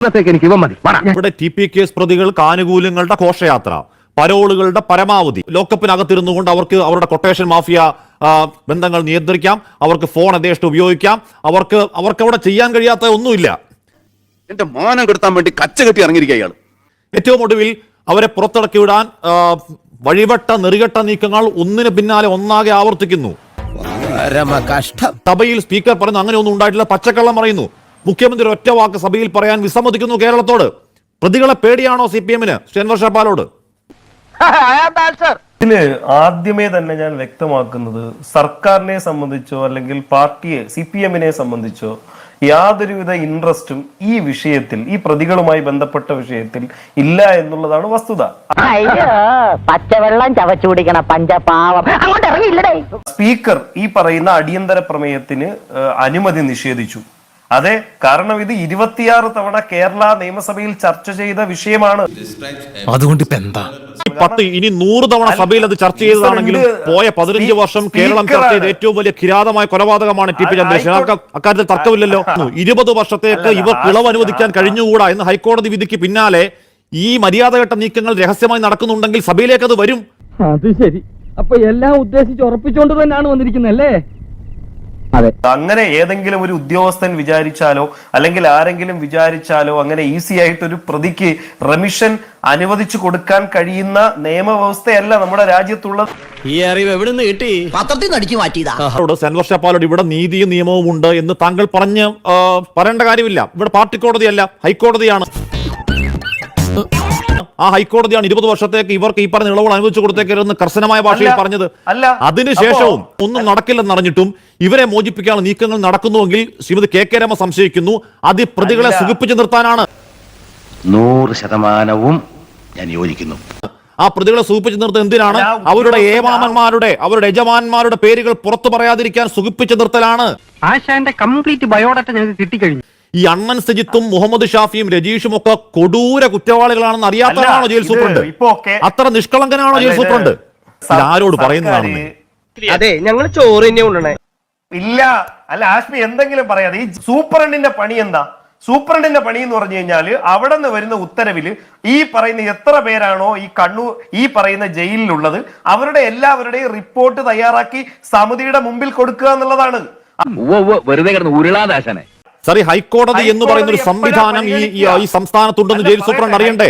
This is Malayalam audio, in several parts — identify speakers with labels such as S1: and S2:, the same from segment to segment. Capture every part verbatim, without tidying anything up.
S1: ഇവിടെ ടി പി കേസ് പ്രതികൾക്ക് ആനുകൂല്യങ്ങളുടെ ഘോഷയാത്ര, പരോളുകളുടെ പരമാവധി, ലോക്കപ്പിനകത്തിരുന്നുകൊണ്ട് അവർക്ക് അവരുടെ കൊട്ടേഷൻ മാഫിയ ബന്ധങ്ങൾ നിയന്ത്രിക്കാം, അവർക്ക് ഫോൺ യഥേഷ്ടം ഉപയോഗിക്കാം, അവർക്ക് അവർക്ക് അവിടെ ചെയ്യാൻ കഴിയാത്ത ഒന്നുമില്ല.
S2: എന്റെ മാനം കെടുത്താൻ വേണ്ടി കച്ച കെട്ടി ഇറങ്ങിയിരിക്കുക ഇയാൾ.
S1: ഏറ്റവും ഒടുവിൽ അവരെ പുറത്തിറക്കി വിടാൻ വഴിവട്ട നെറികെട്ട നീക്കങ്ങൾ ഒന്നിന് പിന്നാലെ ഒന്നാകെ ആവർത്തിക്കുന്നു. സഭയിൽ സ്പീക്കർ പറയുന്നു അങ്ങനെ ഒന്നും ഉണ്ടായിട്ടില്ല, പച്ചക്കള്ളം പറയുന്നു. മുഖ്യമന്ത്രി ഒറ്റ വാക്ക് സഭയിൽ പറയാൻ വിസമ്മതിക്കുന്നു കേരളത്തോട്. പ്രതികളെ പേടിയാണോ സി പി എമ്മിന് അൻവർ ഷാപ്പാലോട്?
S3: ഇതില് ആദ്യമേ തന്നെ ഞാൻ വ്യക്തമാക്കുന്നത്, സർക്കാരിനെ സംബന്ധിച്ചോ അല്ലെങ്കിൽ പാർട്ടിയെ സി പി എമ്മിനെ സംബന്ധിച്ചോ യാതൊരുവിധ ഇൻട്രസ്റ്റും ഈ വിഷയത്തിൽ, ഈ പ്രതികളുമായി ബന്ധപ്പെട്ട വിഷയത്തിൽ ഇല്ല എന്നുള്ളതാണ് വസ്തുത.
S4: പച്ചവെള്ളം ചവച്ചു കുടിക്കണ പഞ്ചപാവം അങ്ങോട്ട് ഇറങ്ങിയില്ലേ.
S3: സ്പീക്കർ ഈ പറയുന്ന അടിയന്തര പ്രമേയത്തിന് അനുമതി നിഷേധിച്ചു. അതെ, കാരണം ഇത് ഇരുപത്തിയാറ് തവണ കേരള നിയമസഭയിൽ ചർച്ച ചെയ്ത വിഷയമാണ്.
S5: അതുകൊണ്ട് ഇപ്പൊ എന്താ
S1: പത്ത് ഇനി നൂറ് തവണ സഭയിൽ അത് ചർച്ച ചെയ്തതാണെങ്കിലും പോയ പതിനഞ്ച് വർഷം കേരളം ചർച്ച ചെയ്ത ഏറ്റവും വലിയ കിരാതമായ കൊലപാതകമാണ് ടി പി ചന്ദ്രശേഖരൻ. അക്കാര്യത്തിൽ തർക്കമില്ലല്ലോ. ഇരുപത് വർഷത്തേക്ക് ഇവർക്ക് ഇളവ് അനുവദിക്കാൻ കഴിഞ്ഞുകൂടാ എന്ന് ഹൈക്കോടതി വിധിക്ക് പിന്നാലെ ഈ മര്യാദഘട്ട നീക്കങ്ങൾ രഹസ്യമായി നടക്കുന്നുണ്ടെങ്കിൽ സഭയിലേക്ക് അത് വരും.
S6: അത് ശരി. അപ്പൊ എല്ലാം ഉദ്ദേശിച്ച് ഉറപ്പിച്ചുകൊണ്ട് തന്നെയാണ് വന്നിരിക്കുന്നല്ലേ?
S3: അങ്ങനെ ഏതെങ്കിലും ഒരു ഉദ്യോഗസ്ഥൻ വിചാരിച്ചാലോ അല്ലെങ്കിൽ ആരെങ്കിലും വിചാരിച്ചാലോ അങ്ങനെ ഈസി ആയിട്ട് ഒരു പ്രതിക്ക് റെമിഷൻ അനുവദിച്ചു കൊടുക്കാൻ കഴിയുന്ന നിയമവ്യവസ്ഥയല്ല നമ്മുടെ രാജ്യത്തുള്ളത്.
S5: ഈ അറിവ് എവിടെ നിന്ന് കിട്ടി?
S4: പത്രത്തിൽ നടിച്ചു മാറ്റിയതാ.
S1: അൻവർ ഷാപ്പാലോട് ഇവിടെ നീതിയും നിയമവും ഉണ്ട് എന്ന് താങ്കൾ പറഞ്ഞ് പറയേണ്ട കാര്യമില്ല. ഇവിടെ പാർട്ടി കോടതിയല്ല, ഹൈക്കോടതിയാണ്. ആ ഹൈക്കോടതിയാണ് ഇരുപത് വർഷത്തേക്ക് ഇവർക്ക് ഈ പറഞ്ഞ ഇളവുകൾ അനുവദിച്ചു കൊടുത്തേക്കരുതെന്ന് കർശനമായ ഭാഷയിൽ പറഞ്ഞത്. അതിനുശേഷവും ഒന്നും നടക്കില്ലെന്ന് അറിഞ്ഞിട്ടും ഇവരെ മോചിപ്പിക്കാനുള്ള നീക്കങ്ങൾ നടക്കുന്നുവെങ്കിൽ ശ്രീമതി കെ കെ രമ സംശയിക്കുന്നു അത് പ്രതികളെ സുഖിപ്പിച്ചു നിർത്താനാണ്.
S2: നൂറ് ശതമാനവും ഞാൻ യോജിക്കുന്നു.
S1: ആ പ്രതികളെ സുഖിപ്പിച്ചു നിർത്തുന്നത് എന്തിനാണ്? അവരുടെ ഏമാമന്മാരുടെ അവരുടെ യജമാന്മാരുടെ പേരുകൾ പുറത്തു പറയാതിരിക്കാൻ സുഖിപ്പിച്ചു നിർത്തലാണ്.
S6: ആശാന്റെ കംപ്ലീറ്റ് ബയോഡാറ്റ ഞങ്ങൾക്ക് കിട്ടിക്കഴിഞ്ഞു.
S1: ഈ അണ്ണൻ സജിത്തും മുഹമ്മദ് ഷാഫിയും രജീഷും ഒക്കെ കൊടൂര കുറ്റവാളികളാണെന്ന് അറിയാത്തതാണോ ജയിൽ സൂപ്രണ്ട്? അത്ര നിഷ്കളങ്കനാണോ ജയിൽ സൂപ്രണ്ട്? ആരോട് പറയുന്നതാണ്?
S6: അതെ, ഞങ്ങൾ ചോറ് തന്നെ കൊണ്ടുവന്നേ.
S3: ഇല്ല, അല്ല ആഷ്മി എന്തെങ്കിലും പറയാതെ. ഈ സൂപ്രണ്ടിന്റെ പണി എന്താ? സൂപ്രണ്ടിന്റെ പണി എന്ന് പറഞ്ഞു കഴിഞ്ഞാല് അവിടെ നിന്ന് വരുന്ന ഉത്തരവില് ഈ പറയുന്ന എത്ര പേരാണോ ഈ കണ്ണൂർ ഈ പറയുന്ന ജയിലിലുള്ളത് അവരുടെ എല്ലാവരുടെയും റിപ്പോർട്ട് തയ്യാറാക്കി സമിതിയുടെ മുമ്പിൽ കൊടുക്കുക എന്നുള്ളതാണ്.
S2: വെറുതെ കിടന്ന് ഉരുളാദാശനെ.
S1: സറി, ഹൈക്കോടതി എന്ന് പറയുന്ന ഒരു സംവിധാനം ഈ ഈ സംസ്ഥാനത്തുണ്ടെന്ന് ജയിൽ സൂപ്രണ്ട് അറിയണ്ടേ?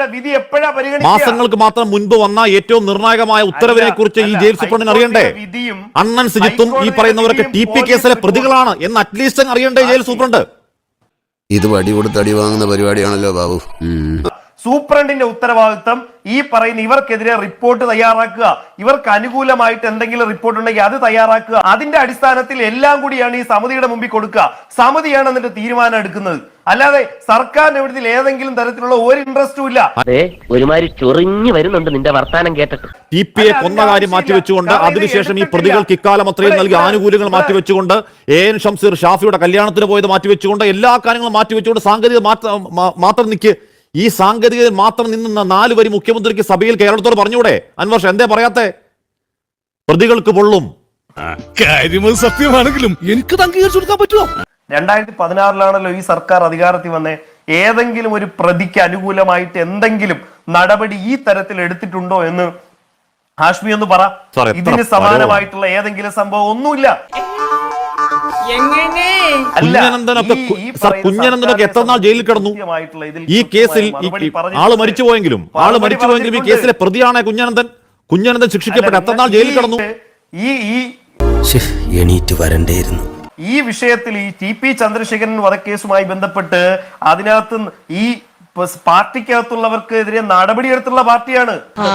S1: മാസങ്ങൾക്ക് മാത്രം മുൻപ് വന്ന ഏറ്റവും നിർണായകമായ ഉത്തരവിനെ കുറിച്ച് ഈ ജയിൽ സൂപ്രണ്ടിന് അറിയണ്ടേ? അണ്ണൻ സജിത്തും ഈ പറയുന്നവരൊക്കെ ടി പി കേസിലെ പ്രതികളാണ് എന്ന് അറ്റ്ലീസ്റ്റ് അറിയണ്ടേ ജയിൽ സൂപ്രണ്ട്?
S7: ഇത് വടി കൊടുത്ത് അടി വാങ്ങുന്ന പരിപാടിയാണല്ലോ ബാബു.
S3: സൂപ്രണ്ടിന്റെ ഉത്തരവാദിത്തം ഈ പറയുന്ന ഇവർക്കെതിരെ റിപ്പോർട്ട് തയ്യാറാക്കുക, ഇവർക്ക് അനുകൂലമായിട്ട് എന്തെങ്കിലും റിപ്പോർട്ട് ഉണ്ടെങ്കിൽ അത് തയ്യാറാക്കുക. അതിന്റെ അടിസ്ഥാനത്തിൽ എല്ലാം കൂടിയാണ് ഈ സമിതിയുടെ മുമ്പിൽ കൊടുക്കുക. സമിതിയാണ് എന്നിട്ട് തീരുമാനം എടുക്കുന്നത്. അല്ലാതെ സർക്കാരിന്റെ ഇവിടത്തിൽ ഏതെങ്കിലും തരത്തിലുള്ള ഒരു ഇൻട്രസ്റ്റും ഇല്ല.
S4: ഒരുമാതിരി ചൊറിഞ്ഞു വരുന്നുണ്ട് നിന്റെ വർത്താനം കേട്ടിട്ട്.
S1: ടി പി എ കൊന്ന കാര്യം മാറ്റിവെച്ചുകൊണ്ട് അതിനുശേഷം ഈ പ്രതികൾക്ക് ഇക്കാലം അത്രയും നൽകിയ ആനുകൂല്യങ്ങൾ മാറ്റിവെച്ചുകൊണ്ട് എ എൻ ഷംസീർ ഷാഫിയുടെ കല്യാണത്തിന് പോയത് മാറ്റിവെച്ചുകൊണ്ട് എല്ലാ കാര്യങ്ങളും മാറ്റിവെച്ചുകൊണ്ട് സാങ്കേതിക മാത്രം നിൽക്ക് ഈ സാങ്കേതികതയിൽ മാത്രം നിന്ന നാല് വരി മുഖ്യമന്ത്രിക്ക് സഭയിൽ കേരളത്തോട് പറഞ്ഞൂടെ? അൻവർ എന്തേ പറയാത്തെ? പ്രതികൾക്ക് പൊള്ളും.
S5: സത്യമാണെങ്കിലും എനിക്ക് അംഗീകരിച്ചു കൊടുക്കാൻ പറ്റുമോ?
S3: രണ്ടായിരത്തി പതിനാറിലാണല്ലോ ഈ സർക്കാർ അധികാരത്തിൽ വന്നേ. ഏതെങ്കിലും ഒരു പ്രതിക്ക് അനുകൂലമായിട്ട് എന്തെങ്കിലും നടപടി ഈ തരത്തിൽ എടുത്തിട്ടുണ്ടോ എന്ന് ഹാഷ്മി ഒന്ന് പറ. ഇതിന് സമാനമായിട്ടുള്ള ഏതെങ്കിലും സംഭവം ഒന്നുമില്ല.
S1: കുഞ്ഞനന്ദനൊക്കെ എത്ര നാൾ ജയിലിൽ കിടന്നു ഈ കേസിൽ? ആള് മരിച്ചുപോയെങ്കിലും ആള് മരിച്ചുപോയെങ്കിലും ഈ കേസിലെ പ്രതിയാണ് കുഞ്ഞനന്ദൻ. കുഞ്ഞനന്ദൻ ശിക്ഷിക്കപ്പെട്ട എത്ര നാൾ ജയിലിൽ കിടന്നു?
S3: ഈ
S7: എണീറ്റ് വരണ്ടേയിരുന്നു.
S3: ഈ വിഷയത്തിൽ ഈ ടി പി ചന്ദ്രശേഖരൻ വധക്കേസുമായി ബന്ധപ്പെട്ട് അതിനകത്ത് ഈ പാർട്ടിക്കകത്തുള്ളവർക്കെതിരെ നടപടിയെടുത്തുള്ള പാർട്ടിയാണ്.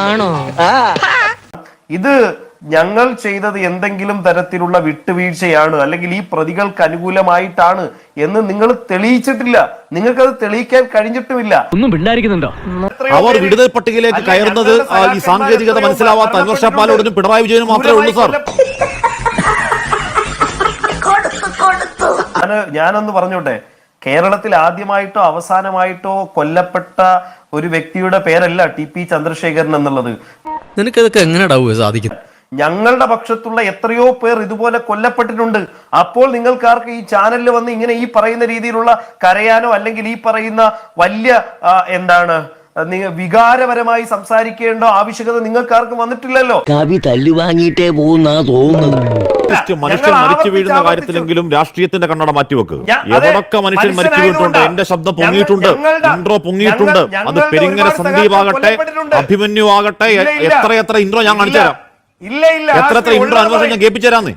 S3: ഇത് ഞങ്ങൾ ചെയ്തത് എന്തെങ്കിലും തരത്തിലുള്ള വിട്ടുവീഴ്ചയാണ് അല്ലെങ്കിൽ ഈ പ്രതികൾക്ക് അനുകൂലമായിട്ടാണ് എന്ന് നിങ്ങൾ തെളിയിച്ചിട്ടില്ല. നിങ്ങൾക്കത് തെളിയിക്കാൻ കഴിഞ്ഞിട്ടുമില്ല.
S6: ഒന്നും പിണ്ടായിരിക്കുന്നുണ്ടോ?
S1: അവർ വിടുതൽ പട്ടികയിലേക്ക് കയറുന്നത് ഈ സാങ്കേതികത മനസ്സിലാവാത്ത അൻവർ ഷാപ്പാലോടും പിണറായി വിജയനും മാത്രമേ ഉള്ളൂ സാർ.
S3: ഞാനൊന്ന് പറഞ്ഞോട്ടെ, കേരളത്തിൽ ആദ്യമായിട്ടോ അവസാനമായിട്ടോ കൊല്ലപ്പെട്ട ഒരു വ്യക്തിയുടെ പേരല്ല ടി പി ചന്ദ്രശേഖരൻ എന്നുള്ളത്.
S5: നിനക്കതൊക്കെ എങ്ങനെ സാധിക്കും?
S3: ഞങ്ങളുടെ പക്ഷത്തുള്ള എത്രയോ പേർ ഇതുപോലെ കൊല്ലപ്പെട്ടിട്ടുണ്ട്. അപ്പോൾ നിങ്ങൾക്കാർക്ക് ഈ ചാനലിൽ വന്ന് ഇങ്ങനെ ഈ പറയുന്ന രീതിയിലുള്ള കരയാനോ അല്ലെങ്കിൽ ഈ പറയുന്ന വലിയ എന്താണ് വികാരപരമായി സംസാരിക്കേണ്ട ആവശ്യകത നിങ്ങൾക്കാർക്കും വന്നിട്ടില്ലല്ലോ.
S4: കവി തല്ലു വാങ്ങിയിട്ടേ പോകുന്നാ തോന്നുന്നത്.
S1: മനുഷ്യൻ മരിച്ചു വീഴുന്ന കാര്യത്തിലെങ്കിലും രാഷ്ട്രീയത്തിന്റെ കണ്ണട മാറ്റിവെക്കുക. എവിടൊക്കെ മനുഷ്യൻ മരിച്ചു വീണിട്ടുണ്ട്, എന്റെ ശബ്ദം പൊങ്ങിയിട്ടുണ്ട്, ഇൻട്രോ പൊങ്ങിയിട്ടുണ്ട്. അത് പെരിങ്ങര സന്ദീപ് ആകട്ടെ, അഭിമന്യു ആകട്ടെ, എത്ര എത്ര ഇൻട്രോ ഞാൻ കാണിച്ചു തരാം.
S3: ഇല്ല ഇല്ല
S1: എത്ര എത്ര ഇൻട്രോ അനുഭവം ഞാൻ കേൾപ്പിച്ചു തരാന്ന്.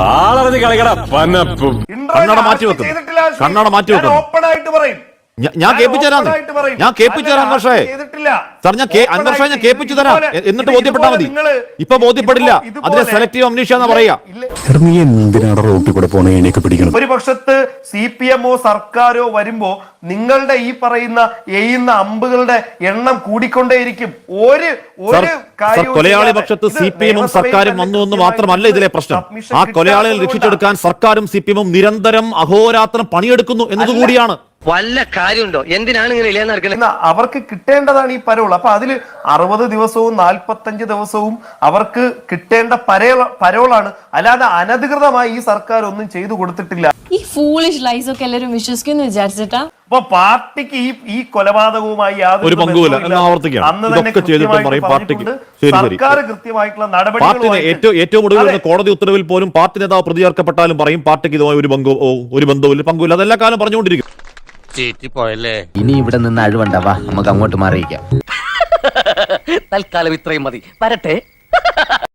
S1: കണ്ണട മാറ്റിവെക്കും, കണ്ണട മാറ്റിവെക്കും.
S3: ഓപ്പൺ ആയിട്ട് പറയും,
S1: ഞാൻ കേൾപ്പിച്ചു തരാം, ഞാൻ കേൾപ്പിച്ചു തരാം അൻവർഷേ. സാർ ഞാൻ അൻവർഷേ ഞാൻ കേൾപ്പിച്ചു തരാം, എന്നിട്ട് ബോധ്യപ്പെട്ടാൽ മതി. ഇപ്പൊ ബോധ്യപ്പെടില്ല, അതിനെ സെലക്ടീവ് അംനീഷ്യ എന്ന് പറയാ.
S3: ഒരു പക്ഷത്ത് സി പി എമ്മോ സർക്കാരോ വരുമ്പോ നിങ്ങളുടെ ഈ പറയുന്ന എയ്യുന്ന അമ്പുകളുടെ എണ്ണം കൂടിക്കൊണ്ടേയിരിക്കും. ഒരു
S1: കൊലയാളി പക്ഷത്ത് സി പി എമ്മും സർക്കാരും വന്നു എന്ന് മാത്രമല്ല ഇതിലെ പ്രശ്നം. ആ കൊലയാളികൾ രക്ഷിച്ചെടുക്കാൻ സർക്കാരും സി പി എമ്മും നിരന്തരം അഹോരാത്രം പണിയെടുക്കുന്നു എന്നതുകൂടിയാണ്.
S4: വല്ല കാര്യമുണ്ടോ? എന്തിനാണ് ഇങ്ങനെ ഇല്ലാന്ന് നടക്കുന്നത്?
S3: അവർക്ക് കിട്ടേണ്ടതാണ് ഈ പരോൾ. അപ്പൊ അതില് അറുപത് ദിവസവും നാൽപ്പത്തഞ്ച് ദിവസവും അവർക്ക് കിട്ടേണ്ട പരോ പരോളാണ്. അല്ലാതെ അനധികൃതമായി ഈ സർക്കാർ ഒന്നും ചെയ്തു കൊടുത്തിട്ടില്ല.
S8: ഈ ഫൂളിഷ് ലൈസ് ഒക്കെ എല്ലാവരും വിശ്വസിക്കുന്നു വിചാരിച്ചിട്ടാ.
S3: അപ്പൊ പാർട്ടിക്ക് ഈ ഈ കൊലപാതകവുമായി
S1: ഒരു പങ്കുമില്ല എന്ന് ആവർത്തിക്കാം. ഇതൊക്കെ ചെയ്തിട്ടും പറയും പാർട്ടിക്ക്
S3: സർക്കാർ കൃത്യമായിട്ടുള്ള നടപടികൾ.
S1: ഏറ്റവും ഏറ്റവും ഒടുവിൽ കോടതി ഉത്തരവിൽ പോലും പാർട്ടി നേതാവ് പ്രതി ചേർക്കപ്പെട്ടാലും പറയും പാർട്ടിക്ക് ഇതുമായി ഒരു ബന്ധവും ഒരു ബന്ധവുമില്ല, പങ്കുമില്ല. അതെല്ലാ കാലം പറഞ്ഞുകൊണ്ടിരിക്കും.
S4: ഇനി ഇവിടെ നിന്ന് അഴിവണ്ടാവാ, നമുക്ക് അങ്ങോട്ട് മാറിയിക്കാം. തൽക്കാലം ഇത്രയും മതി. വരട്ടെ.